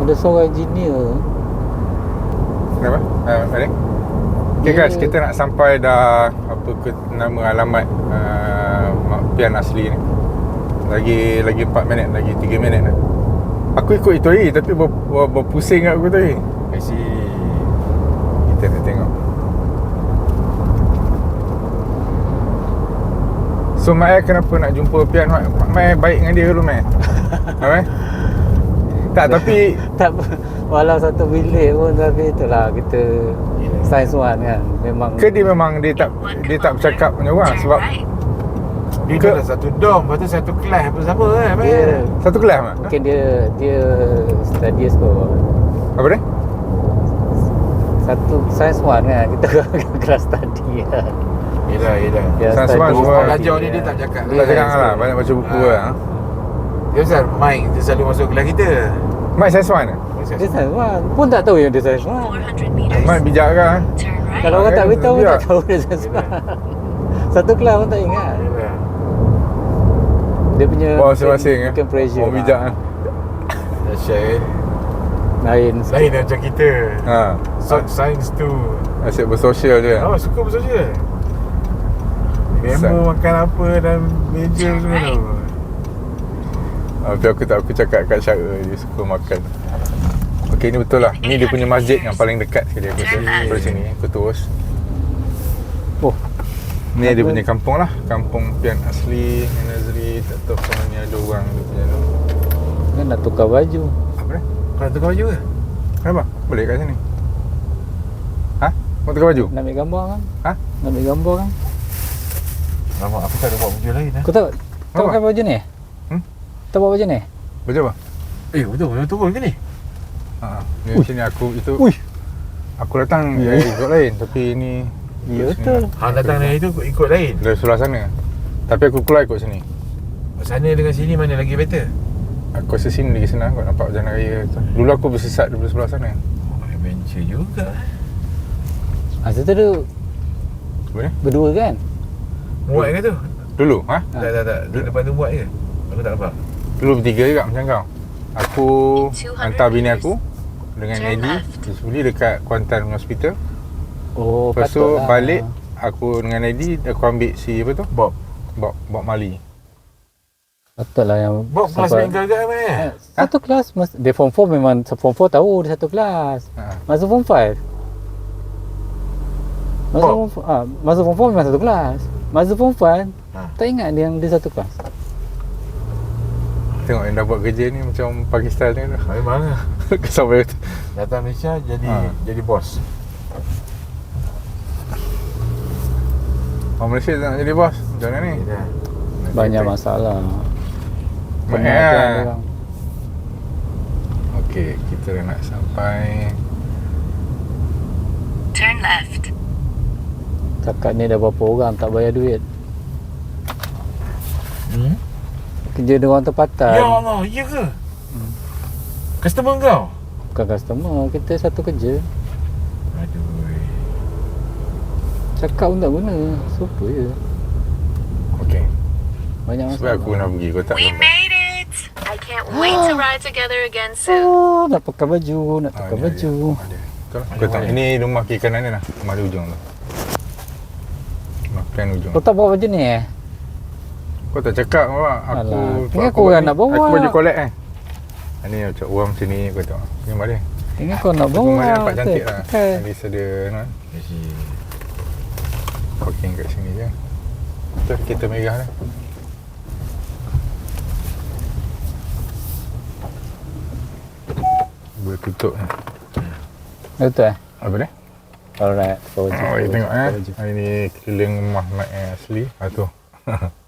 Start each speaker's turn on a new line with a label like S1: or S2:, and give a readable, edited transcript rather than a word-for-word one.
S1: Ada seorang engineer.
S2: Kenapa? Balik. Okay guys, kita nak sampai dah nama alamat Pian Asli ni. Lagi 4 minit, lagi 3 minit dah. Aku ikut itu lagi tapi berpusing kat aku tadi.
S3: I see.
S2: Kita nak tengok. So Mai kenapa nak jumpa Pian? Mai baik dengan dia dulu Mai. Mai? Tak, tapi
S1: Tak, walau satu bilik pun, tapi itulah kita science one kan. Memang
S2: ke dia memang dia tak bercakap dengan orang sebab
S3: Dia kan satu dorm, lepas tu satu kelas apa sama kan?
S1: dia,
S2: satu kelas mah.
S1: mungkin dia studious kot.
S2: Apa dia?
S1: Satu science one kan, kita kelas study kan.
S3: Yelah.
S1: Dia
S2: Science
S1: study
S2: one semua
S3: Orang
S1: study
S3: belajar ni
S1: kan.
S3: dia tak cakap.
S2: Tak cakap lah, banyak baca buku lah.
S3: Dia pasal Mike dia selalu masuk kelas kita.
S2: Mai science one ke?
S1: Dia science one pun tak tahu yang dia science one.
S4: 400 meters.
S2: Mai bijak kan?
S4: Turn right.
S1: Kalau orang tak
S2: Dia
S1: beritahu
S2: biar.
S1: tak tahu dia science one. Satu kelas pun tak ingat.
S3: Yelah.
S1: Dia punya
S2: Bawa masing-masing
S1: mungkin pressure.
S2: Orang bijak kan?
S3: Dahsyat.
S1: Lain
S3: Lain macam kita.
S2: Ha.
S3: Science tu.
S2: Asyik bersosial je.
S3: Suka bersosial. Memo makan apa dan meja semua tu.
S2: Tapi aku cakap kat Syara dia suka makan. Okey, ni betul lah. Ni dia punya masjid yang paling dekat sekali aku rasa. Dari sini aku terus.
S1: Oh,
S2: Ni dia punya kampung lah. Kampung Pian Asli, Nazri. Tak tahu kalau ni ada orang dia punya tu.
S1: kan nak tukar baju.
S2: Apa dia?
S3: Kau tukar baju ke?
S2: Kenapa? Boleh kat sini. Ha? Mau tukar baju?
S1: Nak ambil gambar kan?
S2: Ha?
S1: Nak ambil gambar kan?
S3: Lama aku tak ada buat baju lain lah.
S1: Kau tak
S2: Apa?
S1: pakai baju ni? Tak bawa baju ni?
S2: Baju apa?
S3: Betul turun ke ni?
S2: Ha. Ni sini aku itu.
S1: Ui.
S2: Aku datang
S1: Ya.
S2: ikut lain tapi ni
S1: Ya
S2: sini
S1: betul.
S2: lah.
S3: Hang datang dari itu ikut lain.
S2: Dari sebelah sana. Tapi aku keluar ikut sini.
S3: Sana dengan sini mana lagi better?
S2: Aku rasa sini lagi senang kot nampak jalan raya tu. Dulu aku bersesat daripada sebelah sana.
S3: Oh, adventure juga.
S1: Masa tu dia
S2: Apa ni?
S1: berdua kan?
S3: Muat ke tu?
S2: Dulu, ha?
S3: Tak. Depan tu muat ke? Aku tak nampak.
S2: Dulu bertiga juga macam kau. Aku hantar bini aku dengan
S4: Turn
S2: Eddie
S4: left.
S2: Beli dekat Kuantan Hospital.
S1: Oh,
S2: Lepas tu
S1: patutlah.
S2: balik aku dengan Eddie aku ambil si apa tu?
S3: Bob
S2: Bob Mali.
S1: Patutlah yang
S3: kelas
S1: sampai-
S3: main gagak mana?
S1: Satu kelas dia form 4 memang form 4 tahu dia satu kelas.
S2: Ha.
S1: Masa form 5.
S3: Bob?
S1: Masa form 4 memang satu kelas. Masa form 5
S3: Ha.
S1: tak ingat dia yang dia satu kelas.
S2: Tengok yang dah buat kerja ni macam Pakistan ni tu.
S3: Memang lah.
S2: Sampai tu.
S3: Datang Malaysia jadi bos.
S2: Orang Malaysia tak nak jadi bos. Macam mana ni?
S3: Yelah.
S1: Banyak masalah.
S2: Banyak
S1: Penat
S2: lah.
S1: orang.
S2: Okey, kita dah nak sampai.
S4: Turn left.
S1: Cakap ni dah berapa orang tak bayar duit. Kerja dia orang tempatan.
S3: Ya Allah, ya ke? Customer kau?
S1: Bukan customer, kita satu kerja.
S3: Aduh.
S1: Cakap pun tak guna. Supa je.
S2: Okey.
S1: Banyak
S2: Sebab
S1: masalah.
S2: aku nak pergi kau tak
S4: We
S2: sampai.
S4: made it. I can't wait to ride together again soon.
S1: Oh, nak pakai baju, nak tukar
S2: Ada,
S1: baju.
S2: Ada. Betul lah. Kau tak. Ini rumah kiri kanan ni lah. Rumah di ujung tu. Rumah plan ujung.
S1: Kau tak bawa baju ni
S2: Kau tak cakap apa? Aku
S1: Alah, ingat kau orang nak bawa.
S2: Aku baju collect Ini macam orang sini kau tengok. Ni mari.
S1: Ingat kau nak bawa.
S2: Rumah dia nampak cantik lah.
S1: Pakai.
S2: At least ada kan.
S3: Kasi
S2: Parking kat sini je. Betul kereta merah ni. Boleh tutup ni.
S1: Betul
S2: Apa dia?
S1: Alright, tukar baju.
S2: Oh, you tengok
S1: tukar baju.
S2: Hari ni keliling rumah Mak asli. Tu.